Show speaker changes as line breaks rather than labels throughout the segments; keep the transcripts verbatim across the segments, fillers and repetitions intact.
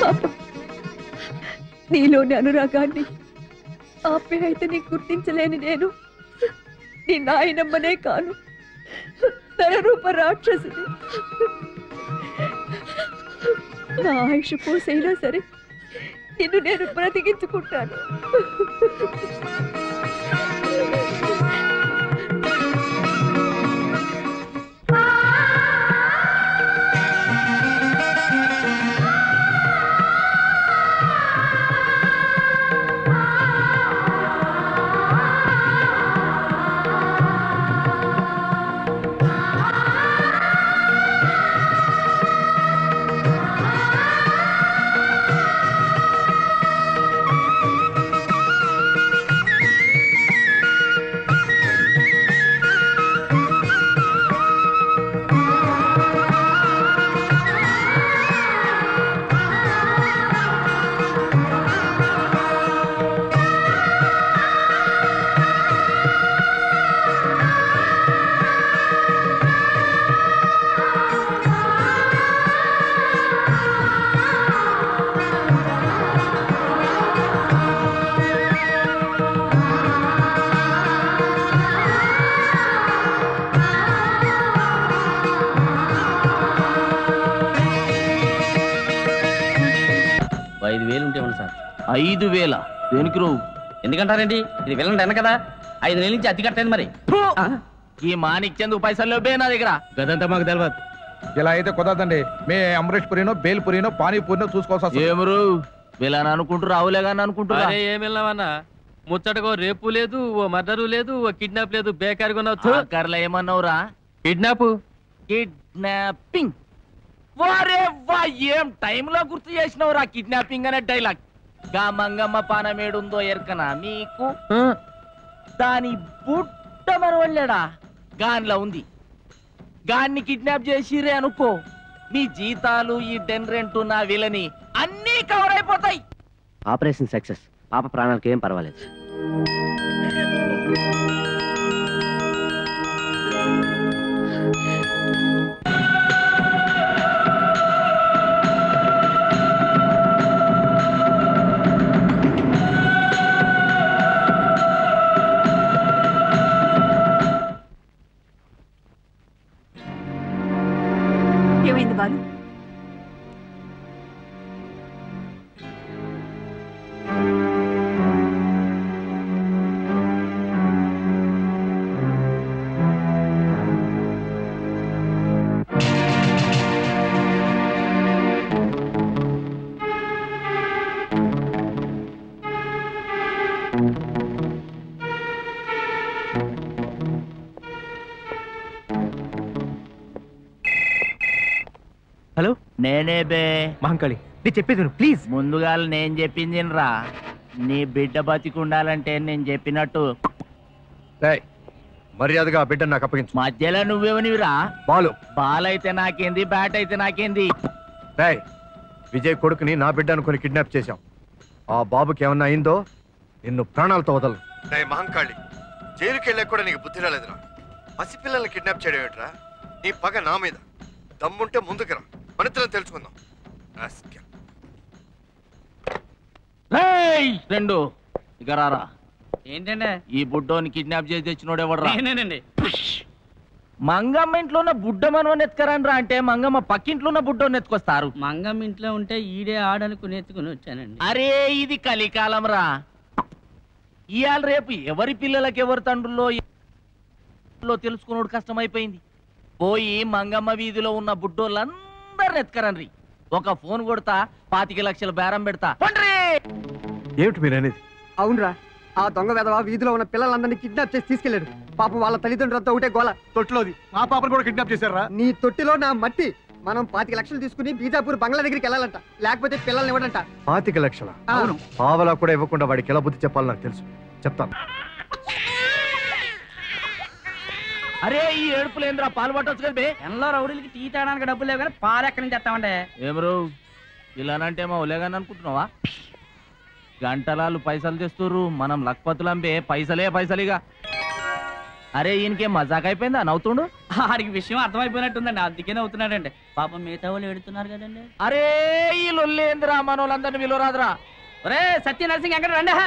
పాపం నీలోని అనురాగాన్ని ఆప్యాయతని గుర్తించలేని నేను నీ నాయనమ్మనే కాను, నరరూప రాక్షసుని. నా ఆయుష్ పోసైనా సరే నిన్ను నేను బ్రతికించుకుంటాను.
ఐదు వేల దేనికి రావు?
ఎందుకంటారేంటి? ఇది వెళ్ళండి అన్న కదా, ఐదు నెలల నుంచి అతి కట్టేది. మరి
ఈ మాణిక్యందుకు పైసలు లేవే నా దగ్గర.
గదంతా మాకు తెలియదు. ఇలా అయితే కుదరదండి. మే అమరేష్ పురినో బేల్ పురినో పానీపూరినో చూసుకోవాల్సి.
ఏమరు వీళ్ళని అనుకుంటూ రావులేగాని అనుకుంటున్నా.
ఏం వెళ్ళామన్నా, ముచ్చటకో రేపు లేదు, ఓ మర్డరు లేదు, ఓ కిడ్నాప్ లేదు, బేకారిగా ఉన్నావు.
కర్ల ఏమన్నావురా?
Kidnap
kidnapping. వారే వా, ఏం టైంలో గుర్తు చేసినవురా కిడ్నాపింగ్ అనే డైలాగ్. గా మంగమ్మ పానమేడుందో ఎరకనా మీకు? దాని బుట్ట మరవళ్ళాడా గాన్లా ఉంది. గాన్ని కిడ్నాప్ చేసిరే అనుకో, మీ జీతాలు, ఈ డెన్ రెంట్, నా విలని అన్నీ కవర్ అయిపోతాయి.
Operation success. పాప ప్రాణాలకు ఏం పర్వాలేదు.
ఏమైంది బాలు?
హలో, నేనే బే
మహంకాళి. నీ చెప్పేది ప్లీజ్.
ముందుగా నేను చెప్పింది రా. నీ బిడ్డ బతికుండాలంటే నేను చెప్పినట్టు
మర్యాదగా బిడ్డ నాకు అప్పగించు.
మధ్యలో నువ్వేమనివిరా?
బాలు.
బాల్ అయితే నాకేంది, బ్యాట్ అయితే నాకేంది.
విజయ్ కొడుకుని నా బిడ్డ అనుకుని కిడ్నాప్ చేశాం. ఆ బాబుకి ఏమన్నా అయిందో నిన్ను ప్రాణాలతో వదలను. మహంకాళి, జైలుకి వెళ్ళా కూడా నీకు బుద్ధి రాలేదురా. పసిపిల్లల్ని కిడ్నాప్ చేయడం ఏంట్రా? నీ పగ నా మీద. దమ్ముంటే ముందుకురా, మనిద్దరం తెలుసుకుందాం.
రెండు ఇక రారా.
ఏంటంటే
ఈ బుడ్డోని కిడ్నాప్ చేసి తెచ్చినోడు ఎవడరా?
నేనేనండి.
మంగమ్మ ఇంట్లో ఉన్న బుడ్డ మనవని ఎత్తుకరండ్రా అంటే మంగమ్మ పక్కింట్లో ఉన్న బుడ్డోని ఎత్తుకొస్తారు.
మంగమ్మ ఇంట్లో ఉంటే ఈడే ఆడనుకుని ఎత్తుకుని వచ్చానండి.
అరే ఇది కలికాలం రా. ఇవాళ రేపు ఎవరి పిల్లలకి ఎవరి తండ్రుల్లో తెలుసుకున్నాడు కష్టమైపోయింది. పోయి మంగమ్మ వీధిలో ఉన్న బుడ్డోళ్ళందరిని ఎత్తుకరండ్రి. ఒక ఫోన్ కొడతా, పాతిక లక్షల బేరం పెడతా.
ఏమిటి మీరు అనేది?
అవునరా, ఆ దొంగ వెధవ వీధిలో ఉన్న పిల్లలందరినీ కిడ్నాప్ చేసి తీసుకెళ్లాడు. పాపం వాళ్ళ తల్లిదండ్రులతో ఒకటే గోల.
తొట్టిలోది మా పాపను కూడా కిడ్నాప్ చేశారా?
నీ తొట్టిలో నా మట్టి. మనం పాతిక లక్షలు తీసుకుని బీజాపూర్ బంగ్లా దగ్గరికి వెళ్ళాలంట, లేకపోతే పిల్లల్ని ఇవ్వడంట.
పాతిక లక్షల?
అవును.
పావలా కూడా ఇవ్వకుండా వాడికి ఎలా బుద్ధి చెప్పాలి నాకు తెలుసు, చెప్తాను.
అరే ఈ ఏడుపులేంద్రా, పాలు పట్టొచ్చు కదా బే.
ఎన్నో రౌడీలకి టీ తాగడానికి డబ్బులు లేవు కానీ పాలు ఎక్కడి నుంచి తెస్తామంటే.
ఏమరు ఇలానంటే మా ఒలేగాని అనుకుంటున్నావా? గంటలాలు పైసలు తెస్తుర్రు, మనం లక్పతులంబే పైసలే పైసలిగా. అరే ఈయనకేం మజాక్ అయిపోయిందా నవ్వుతుండు?
ఆడికి విషయం అర్థమైపోయినట్టుందండి, అందుకనే అవుతున్నాడండి. పాపం మిగతా వాళ్ళు ఏడుతున్నారు కదండి.
అరే ఈ లొల్లేంద్రా మనోళ్ళందరినీ విలువరాదురా.
ఒరే సత్య నరసింగ్ ఎక్కడ రండి.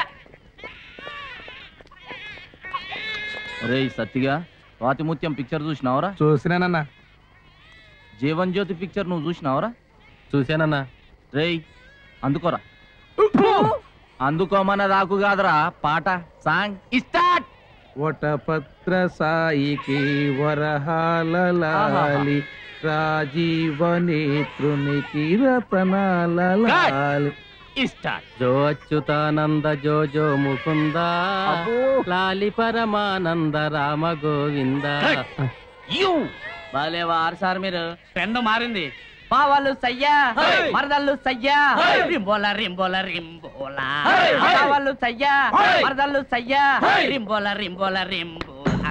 అరే సత్తిగా స్వాతిముత్యం పిక్చర్ చూసినావరా?
చూసినానన్నా.
జీవన్ జ్యోతి పిక్చర్ నువ్వు చూసినావరా?
చూశానన్నా.
రేయ్ అందుకోరా. అందుకోమన్న దాకు కాదురా పాట సాంగ్ స్టార్ట్.
వటపత్ర సాయికి వరహాలలాలి రాజీవనేత్రునికి రతనాలలాలి.
స్టార్ట్.
జో అచ్యుతానంద జో జో ముకుంద లాలి పరమానంద రామ గోవింద.
యు
బాలే వారు సార్ మీరు. ట్రెండ్ మారింది. పావాళ్ళు సయ్యా మరదళ్ళు సయ్యా రింబోల రింబోల రింబోల. పావాళ్ళు సయ్యా మరదళ్ళు సయ్యా రింబోల రింబోల రింబోల.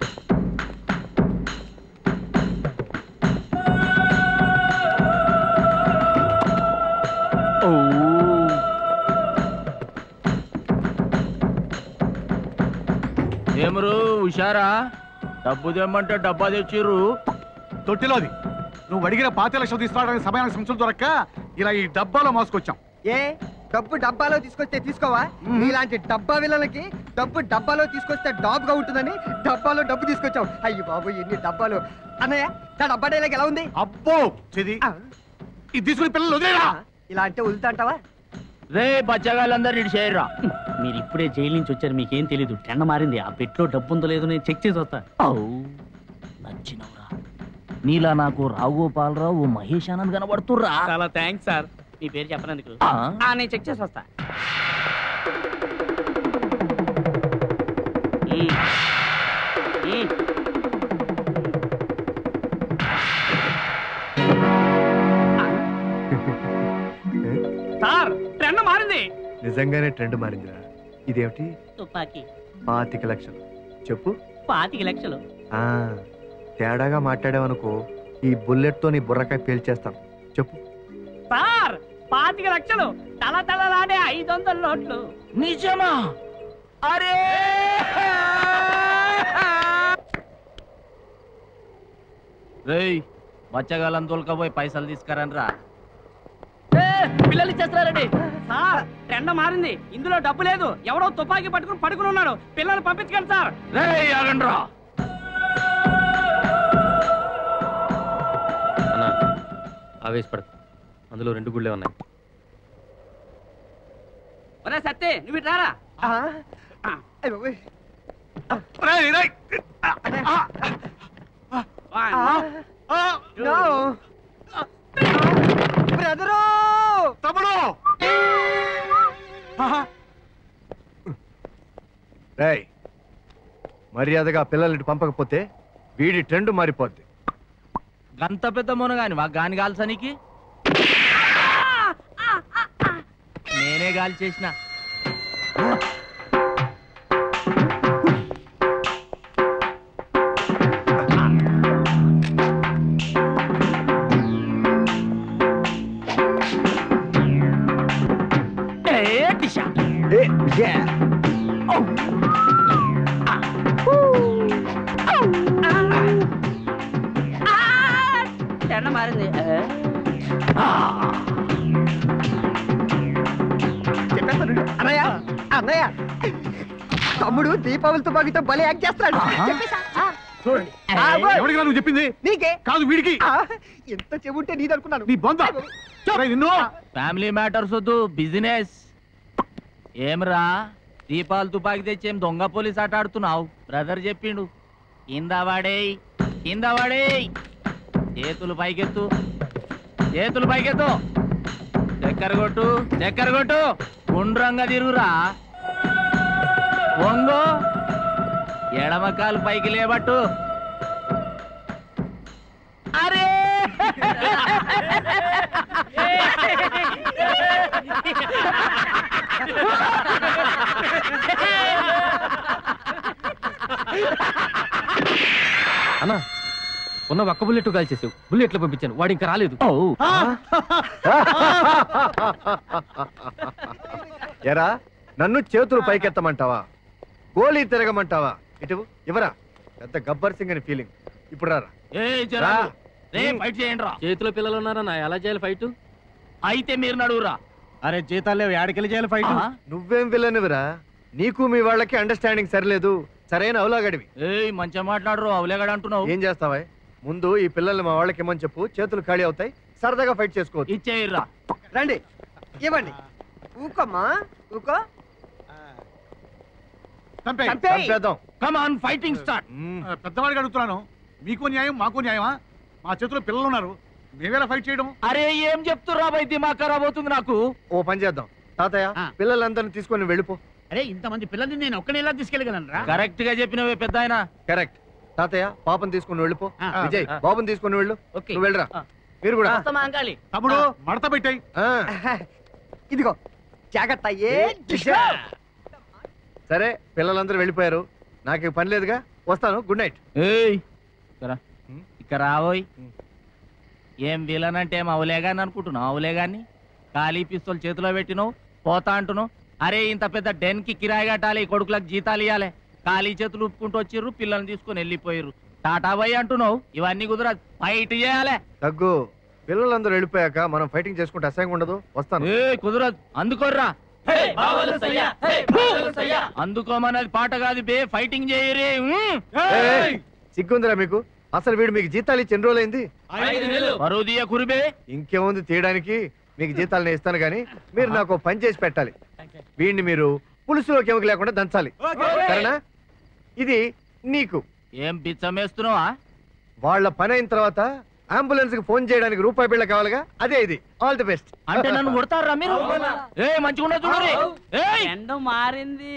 ఏమరు హుషారా? డబ్బు తెమ్మంటే డబ్బా తెచ్చిర్రు.
తొట్టిలోది నువ్వు అడిగిన పాతి లక్షలు తీసుకోవడానికి సమయానికి సంచులు దొరక్క ఇలా ఈ డబ్బాలో మోసుకొచ్చాం.
ఏ డబ్బు డబ్బాలో తీసుకొస్తే తీసుకోవా? ఇలాంటి డబ్బా విలలకి డబ్బు డబ్బాలో తీసుకొస్తే డాబ్గా ఉంటుందని డబ్బాలో డబ్బు తీసుకొచ్చావు. అయ్యి బాబు ఎన్ని డబ్బాలు. అన్నయ్య నా డబ్బా డైలాగ్ ఎలా ఉంది?
అబ్బో చెది ఇది తీసుకుని పిల్లలు వదిలేరా.
ఇలా అంటే వదులుతా అంటావా?
రే బచ్చగాళ్ళందరూ ఇటు చేయరా.
మీరు ఇప్పుడే జైలు నుంచి వచ్చారు, మీకేం తెలీదు. ట్రెండ్ మారింది. ఆ పెట్లో డబ్బు ఉందో లేదో నేను చెక్ చేసి వస్తా.
నచ్చినవురా. నీలా నాకు రావుగోపాలరావు మహేష్ ఆనంద్ కనబడుతుర్రా.
చాలా థ్యాంక్స్ సార్, మీ పేరు చెప్పనందుకు. నేను చెక్ చేసి వస్తా. సార్ ట్రెండ్ మారింది.
నిజంగానే ట్రెండ్ మారిందిరా. ఇదేమిటి?
తుపాకీ.
పాతిక లక్షలు చెప్పు.
పాతిక లక్షలు.
ఆ తేడాగా మాట్లాడావనుకో ఈ బుల్లెట్ తో నీ బుర్రకాయ పేల్చేస్తాను. చెప్పు.
సార్ పాతిక లక్షలు తల తలలాడే ఐదు వందల నోట్లు.
నిజమా? అరే రేయ్ బచ్చగాళ్ళని తోలుకపోయి పైసలు తీసుకురండ్రా.
పిల్లలు ఇచ్చేస్తారండి. సార్ ట్రెండ్ మారింది. ఇందులో డబ్బు లేదు. ఎవడో తుపాకీ పట్టుకుని పడుకుని ఉన్నాడు. పిల్లలు పంపించకండి సార్.
రేయ్ ఆగండ్రా.
అన్నా ఆవేశపడదు, అందులో రెండు గుళ్ళే ఉన్నాయి.
ఒరే సత్తే నువ్వు ఇటు రారా.
బ్రదరు
తమ్ముడు
రేయ్ మర్యాదగా పిల్లల్ని పంపకపోతే వీడి ట్రెండ్ మారిపోద్ది.
గంత పెద్ద మునగాని మా గాని కాల్సనికి నేనే గాలి చేసిన.
ట్రెండ్ మారింది.
చెప్పేస్తాను అన్నయ్య. అన్నయ్య తమ్ముడు దీపావళి తుపాకీతో భలే యాక్ట్ చేస్తాడు. చెప్పేసా?
చూడండి ఎవరికి నువ్వు చెప్పింది?
నీకే
కాదు వీడికి.
ఎంత చెబుంటే నీది అనుకున్నాను.
నీ బొంద నిన్ను.
ఫ్యామిలీ మ్యాటర్స్ వద్దు, బిజినెస్. ఏమరా దీపాలు తుపాకి తెచ్చేం దొంగ పోలీస్ ఆట ఆడుతున్నావు? బ్రదర్ చెప్పిండు. కింద వాడేయ్ కింద వాడేయ్. చేతులు పైకెత్తు చేతులు పైకెత్తు. చక్కెర కొట్టు చక్కెర కొట్టు. గుండ్రంగా తిరుగురా. వంగు ఎడమకాలు పైకి లేబట్టు. అరే
అన్నా ఉన్న ఒక్క బుల్లెట్ కాల్ చేసావు. బుల్లెట్లు పంపించాను, వాడు ఇంకా రాలేదు.
ఎరా నన్ను చేతులు పైకెత్తమంటావా? గోళీ తిరగమంటావా? ఇటు ఇవరా పెద్ద గబ్బర్ సింగ్ అని ఫీలింగ్. ఇప్పుడు రారా
ఏ జరా రే ఫైట్ చేయండి రా.
చేతిలో పిల్లలు ఉన్నారన్న ఎలా చేయాలి ఫైట్?
అయితే మీరు నడువురా.
అరే జీతాలు లేవు ఏడకెళ్ళి చేయాలి ఫైట్.
నువ్వేం విలనివిరా, నీకు మీ వాళ్ళకి అండర్స్టాండింగ్ సరిలేదు. సరైన అవలాగడివి.
ఏయ్ మంచిగా మాట్లాడరు, అవలేగాడు అంటున్నావు.
ఏం చేస్తావా? ముందు ఈ పిల్లల్ని మా వాళ్ళకి ఇమ్మని చెప్పు, చేతులు ఖాళీ అవుతాయి, సరదాగా ఫైట్ చేసుకోవచ్చు.
ఇచ్చేయర్రా.
రండి ఇవ్వండి. ఊకోమ్మా ఊకో.
చంపేయ్.
చంపేయ్.
చంపేద్దాం.
Come on fighting start.
మ్మ్.
ఆ, పెద్దవాడికి అడుగుతున్నాను, మీకు న్యాయం మాకు న్యాయమా? మా చేతిలో పిల్లలు ఉన్నారు, మేమేలా ఫైట్ చేయడం?
అరే ఏం చెప్తుర్రా బై, దిమాగ్ ఖరాబ్ అవుతుంది నాకు.
ఓ పని చేద్దాం తాతయ్య,
ఆ.
పిల్లలందరిని తీసుకొని వెళ్ళిపో.
అరే ఇంతమంది పిల్లల్ని నేను ఒక్కనే ఎలా తీసుకెళ్ళగలను రా?
కరెక్ట్ గా చెప్పినవే పెద్ద ఆయన.
కరెక్ట్. తాతయ్య పాపని తీసుకొని వెళ్ళిపో.
ఆ.
విజయ్ బాబుని తీసుకొని వెళ్ళు.
ఓకే.
నువ్వు వెళ్ళరా. మీరు కూడా.
తమ్ముడు మడత పెట్టాయి.
ఆ.
ఇదిగో జాగ్రత్త. ఏ
సరే పిల్లలందరూ వెళ్ళిపోయారు, నాకు ఇక పని లేదుగా, వస్తాను. Good night.
ఏయ్ ఇక్కడ
హ్మ్?
ఇక్కడ రావోయ్.
హ్మ్.
ఏం విలన్ అంటే ఏం అవలేగాని అనుకుంటున్నావు? అవలేగాని ఖాళీ పిస్తోల్ చేతిలో పెట్టినావు, పోతా అంటున్నావు. అరే ఇంత పెద్ద డెన్ కి కిరాయి కట్టాలి, కొడుకులకు జీతాలు ఇవ్వాలి. ఖాళీ చేతులు ఉప్పుకుంటూ వచ్చిర్రు, పిల్లల్ని తీసుకొని వెళ్ళిపోయారు. టాటా బై అంటున్నావు, ఇవన్నీ కుదర ఫైట్ చేయాలి.
తగ్గు. పిల్లలందరూ వెళ్ళిపోయాక మనం ఫైటింగ్ చేసుకుంటే అసహ్యంగా ఉండదు. వస్తాను.
ఏ కుదరదు, అందుకోర్రా. అందుకోమన్నది పాట కాదు బే, ఫైటింగ్ చేయరే.
ఏయ్, సిగ్గుందిరా మీకు? అసలు వీడు మీకు జీతాలు ఇచ్చి ఎన్ని రోజులైంది?
బరువు తీయ కురిబే.
ఇంకేముంది తీయడానికి, మీకు జీతాలు నేను ఇస్తాను కానీ మీరు నాకు ఓ పని చేసి పెట్టాలి. వీడిని మీరు పులుసులోకి ఎముక లేకుండా దంచాలి, సరేనా? ఇది నీకు.
ఏం బిచ్చమేస్తున్నావా?
వాళ్ళ పని అయిన తర్వాత అంబులెన్స్ కి ఫోన్ చేయడానికి రూపాయి బిళ్ళ కావాలిగా, అదే ఇది. All the best.
అంటే నన్ను కొడతారా మీరు? ఏ మంచిగా చూడండి. ఏయ్
ఎండ మారింది.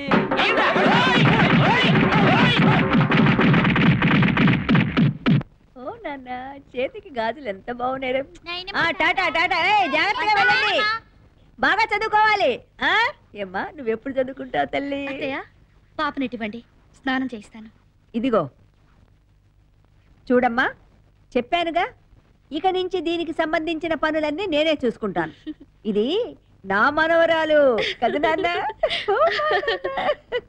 ఓ నాన్న, చేతికి గాజులు ఎంత బాగున్నాయి. టాటా టాటా. ఏయ్, జాగ్రత్తగా వెళ్ళండి, బాగా చదువుకోవాలి. ఆ ఏమ్మా, నువ్వెప్పుడు చదువుకుంటావు తల్లి?
పాపనిటివ్వండి, స్నానం చేయిస్తాను.
ఇదిగో చూడమ్మా, చెప్పానుగా, ఇక నుంచి దీనికి సంబంధించిన పనులన్నీ నేనే చూసుకుంటాను. ఇది నా మనవరాలు కదా నాన్న.